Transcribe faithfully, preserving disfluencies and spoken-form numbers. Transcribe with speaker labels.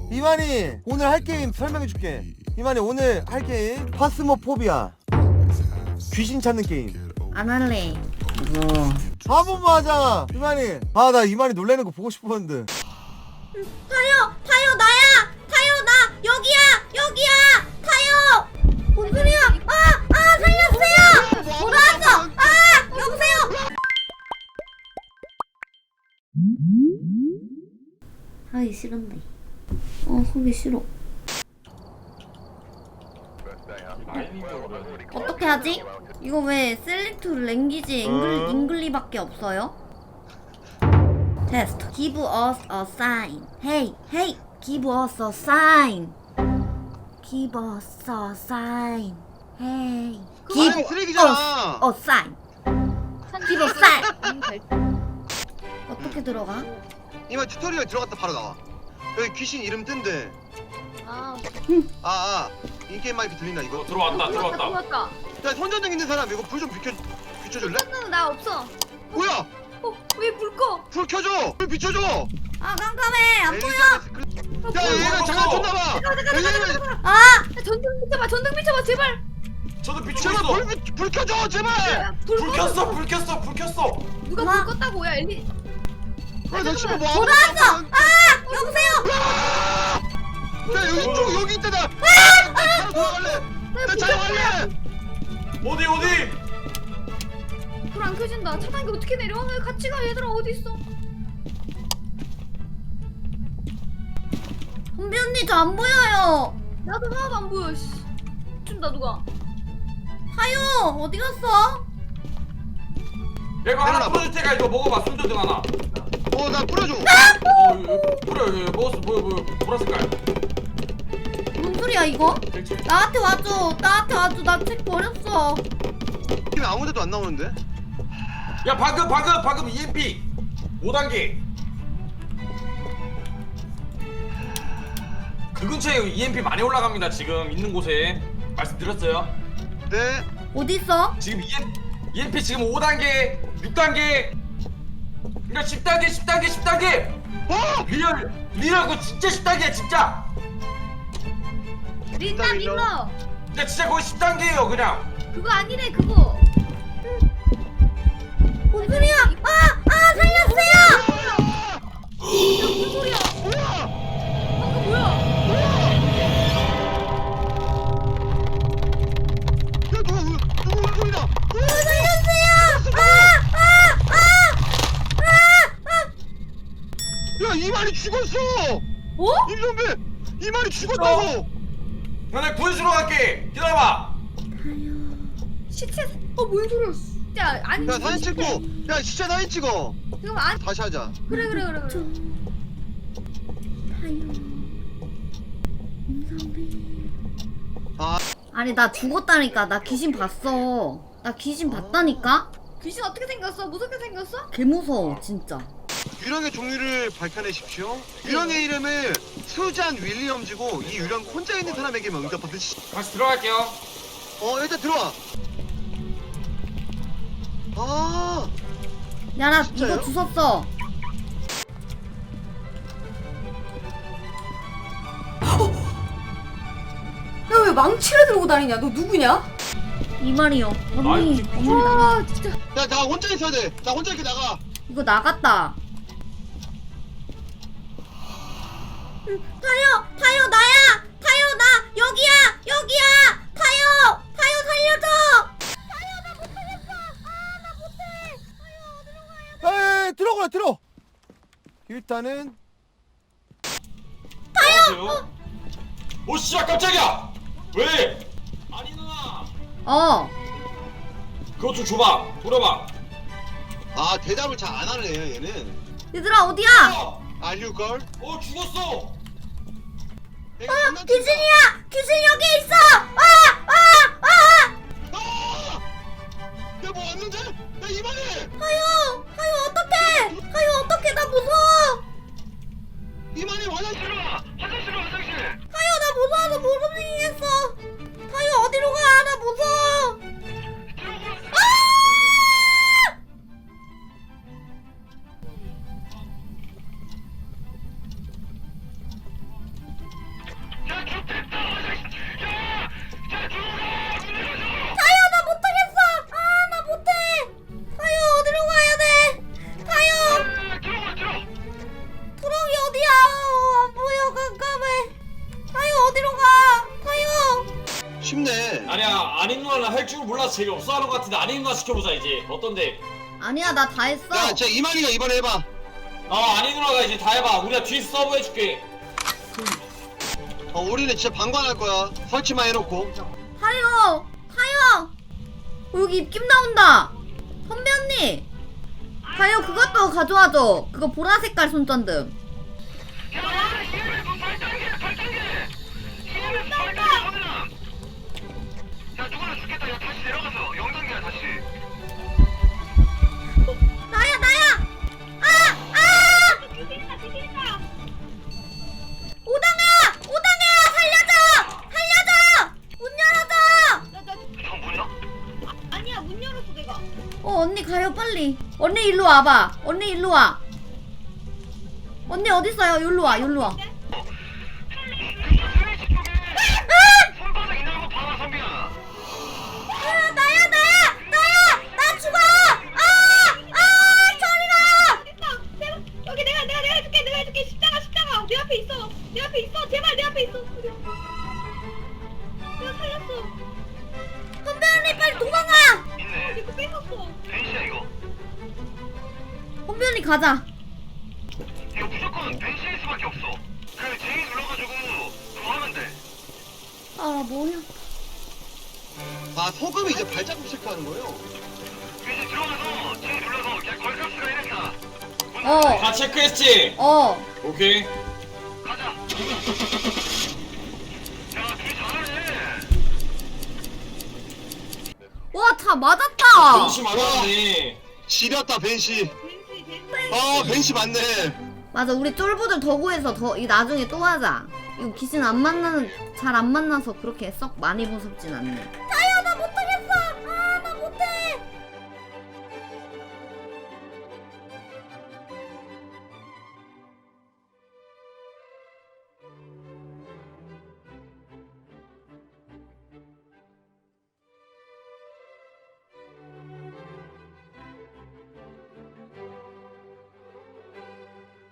Speaker 1: 이만희 오늘 할 게임 설명해줄게. 이만희 오늘 할 게임 파스모포비아, 귀신 찾는 게임.
Speaker 2: 안 할래. 뭐.
Speaker 1: 한 번만 하자. 이만희. 아 나 이만희 놀래는 거 보고 싶었는데.
Speaker 2: 타요, 타요 나야. 타요 나 여기야, 여기야. 타요. 뭔 소리야? 아, 아 살렸어요. 돌아왔어. 아, 여보세요. 하기 싫은데. 어, 하기 싫어. 어떻게 하지? 이거 왜 셀렉트 랭귀지 잉글, 잉글리밖에 없어요? 테스트. Give us a sign. Hey, hey, give us a sign. Give us a sign. Hey, give
Speaker 3: 아니,
Speaker 2: us
Speaker 3: 쓰레기잖아.
Speaker 2: a sign. Give us a sign. 어떻게 들어가?
Speaker 3: 이만 튜토리얼 들어갔다 바로 나와. 여기 귀신 이름 뜬대.
Speaker 4: 아,
Speaker 3: 아, 아 인게임 마이크 들린다 이거.
Speaker 5: 어, 들어왔다
Speaker 4: 들어왔다,
Speaker 5: 들어왔다.
Speaker 4: 들어왔다.
Speaker 3: 야 손전등 있는 사람 이거 불 좀 비춰 비춰줄래?
Speaker 4: 손전등 나 없어.
Speaker 3: 뭐야?
Speaker 4: 어, 왜 불 꺼?
Speaker 3: 불 켜줘. 불 비춰줘.
Speaker 2: 아 깜깜해. 안 보여.
Speaker 3: 엘리자베스 클- 야 얘가 장난쳤나봐.
Speaker 2: 아,
Speaker 4: 야, 전등 비춰봐, 전등 비춰봐, 제발.
Speaker 5: 저도 비추고
Speaker 3: 제발
Speaker 5: 있어.
Speaker 3: 불, 비- 불 켜줘 제발.
Speaker 4: 야, 불,
Speaker 5: 불
Speaker 4: 꺼.
Speaker 5: 켰어 불 켰어 불 켰어.
Speaker 4: 누가
Speaker 2: 엄마.
Speaker 4: 불 껐다고? 야, 엘리.
Speaker 3: 야, 나 지금 뭐
Speaker 2: 돌아왔어.
Speaker 3: 하는 거야?
Speaker 2: 아, 여보세요.
Speaker 3: 야 여기 쪽 여기 있다 나. 나 차로 돌아갈래. 나 차로 갈래.
Speaker 5: 어디 어디?
Speaker 4: 불 안 켜진다. 차단기 어떻게 내려? 왜 같이 가, 얘들아 어디 있어?
Speaker 2: 선비 언니 저 안 보여요.
Speaker 4: 나도 하나도 안 보여. 씨. 춘다 누가?
Speaker 2: 하요 어디 갔어?
Speaker 5: 야 이거 하나
Speaker 3: 내려놔.
Speaker 5: 풀어줄 테니까 이거 먹어봐. 손전등 하나.
Speaker 3: 어나 뿌려줘.
Speaker 5: 어 이거 이거 뿌려 이거 이거 먹었어. 뭐야 뭐야 보라 색깔.
Speaker 2: 뭔 소리야 이거?
Speaker 5: 그렇지.
Speaker 2: 나한테 와줘. 나한테 와줘. 나 책 버렸어.
Speaker 3: 지금 아무데도 안 나오는데?
Speaker 5: 야 방금 방금 방금 이엠피 오 단계. 그 근처에 이엠피 많이 올라갑니다. 지금 있는 곳에 말씀드렸어요.
Speaker 3: 네.
Speaker 2: 어디 있어?
Speaker 5: 지금 이엠, 이엠피 지금 오 단계, 육 단계, 그러니까 십 단계, 십 단계, 십 단계.
Speaker 3: 어?
Speaker 5: 리얼, 리얼 그거 진짜 십 단계야 진짜.
Speaker 4: 린나
Speaker 3: 일로.
Speaker 4: 린너.
Speaker 5: 야 진짜 거의 십 단계예요 그냥.
Speaker 4: 그거 아니래 그거.
Speaker 2: 뭔 소리야? 아, 아 살렸어요.
Speaker 4: 무슨 소리야?
Speaker 3: 뭐야?
Speaker 4: 방금 뭐야?
Speaker 3: 야 누구 울- 누구 울소리다.
Speaker 2: 살렸어요. 아, 아, 아, 아, 아.
Speaker 3: 야 이만희 죽었어.
Speaker 4: 어?
Speaker 3: 임선배 이만희 죽었다고.
Speaker 5: 나 내가 구해주러 갈게. 기다려봐.
Speaker 4: 시체. 어, 뭔 소리야? 진짜 아니.
Speaker 3: 야 사진 찍고. 야 진짜 사진 찍어.
Speaker 4: 지금 안.
Speaker 3: 다시 하자.
Speaker 4: 그래 그래 그래 그래.
Speaker 3: 아
Speaker 2: 아니 나 죽었다니까. 나 귀신 봤어. 나 귀신 봤다니까.
Speaker 4: 귀신 어떻게 생겼어? 무섭게 생겼어?
Speaker 2: 개 무서워 진짜.
Speaker 3: 유령의 종류를 밝혀내십시오. 유령의 이름은 수잔 윌리엄즈고 이 유령 혼자 있는 사람에게만 응답하듯. 시-
Speaker 5: 다시 들어갈게요.
Speaker 3: 어 일단 들어와. 아
Speaker 2: 야 나
Speaker 3: 진짜요?
Speaker 2: 이거 주웠어.
Speaker 6: 야 왜 망치를 들고 다니냐? 너 누구냐?
Speaker 2: 이 말이요. 언니,
Speaker 5: 아이,
Speaker 2: 언니
Speaker 4: 와 진짜.
Speaker 3: 야 나 혼자 있어야 돼. 나 혼자 이렇게 나가.
Speaker 2: 이거 나갔다. 응, 타요, 타요 나야. 타요 나 여기야, 여기야. 타요, 타요 살려줘.
Speaker 1: 에이 들어가 들어. 일단은
Speaker 5: 타요. 오 씨야 깜짝이야. 왜? 아니 누나.
Speaker 2: 어,
Speaker 5: 그거 좀 줘봐. 돌아봐.
Speaker 3: 아 대답을 잘 안 하네 얘는.
Speaker 2: 얘들아 어디야?
Speaker 5: 어,
Speaker 3: 알류걸?
Speaker 5: 어 죽었어.
Speaker 3: 내가
Speaker 2: 어,
Speaker 3: 장난친다.
Speaker 2: 귀신이야. 귀신 여기 있어. 아, 아, 아.
Speaker 3: 아! 야뭐 왔는데? 야 이만희!
Speaker 2: 하요, 하요 어떡해? 하요 어떡해? 나 무서워.
Speaker 3: 이만희 화장실로 와! 화장실로 화장실!
Speaker 2: 하요 나 무서워서 못 움직이겠어. 하요 어디로 가? 나 무서워. 아!
Speaker 3: 쉽네.
Speaker 5: 아니야 아닌 누나는 할 줄 몰라서 재미없어 하는 것 같은데 아닌 누나 시켜보자 이제. 어떤데?
Speaker 2: 아니야 나 다 했어.
Speaker 3: 야, 쟤 이만희가 이번에 해봐.
Speaker 5: 어 아닌 누나가 이제 다 해봐. 우리가 뒤 서브 해줄게.
Speaker 3: 어, 우리는 진짜 방관할 거야. 설치만 해놓고.
Speaker 2: 타요 타요. 어, 여기 입김 나온다. 선배 언니. 타요 그것도 가져와줘. 그거 보라 색깔 손전등. 나야 나야. 아 아. 오당아 오당아 살려줘 살려줘 문 열어줘.
Speaker 4: 아니야 문 열었어 내가.
Speaker 2: 어 언니 가요 빨리. 언니 일로 와봐. 언니 일로 와. 언니 어디 있어요? 여기로 와 여기로 와. 아, 나야 나야 나야 나 죽어. 아아 저리가.
Speaker 4: 제발 여기 내가 내가 내가 해줄게 내가 해줄게 십자가 십자가 내 앞에 있어 내 앞에 있어 제발 내 앞에 있어. 그래. 내가 살렸어.
Speaker 2: 선배 언니 빨리 도망가.
Speaker 4: 어, 이거 뺏었어.
Speaker 3: 벤시야 이거.
Speaker 2: 선배 언니 가자.
Speaker 3: 이거 무조건 벤시일 수밖에 없어. 그 제이 눌러가지고 그거 하면 돼.
Speaker 2: 아 뭐야.
Speaker 3: 아, 소금이 이제 발자국 체크하는 거예요? 이제 들어가서 제이 눌러서 그냥 걸값으로 해냈다.
Speaker 2: 어
Speaker 5: 다 체크했지?
Speaker 2: 어.
Speaker 5: 오케이.
Speaker 3: 가자. 야, 둘이 잘하네.
Speaker 2: 와 다 맞았다.
Speaker 5: ben시 많았네.
Speaker 3: 지렸다, 벤시.
Speaker 4: 벤시 벤시.
Speaker 3: 아, 벤시 맞네.
Speaker 2: 맞아 우리 쫄보들 더 구해서 더 이 나중에 또 하자. 이거 귀신 안 만나는 잘 안 만나서 그렇게 썩 많이 무섭진 않네.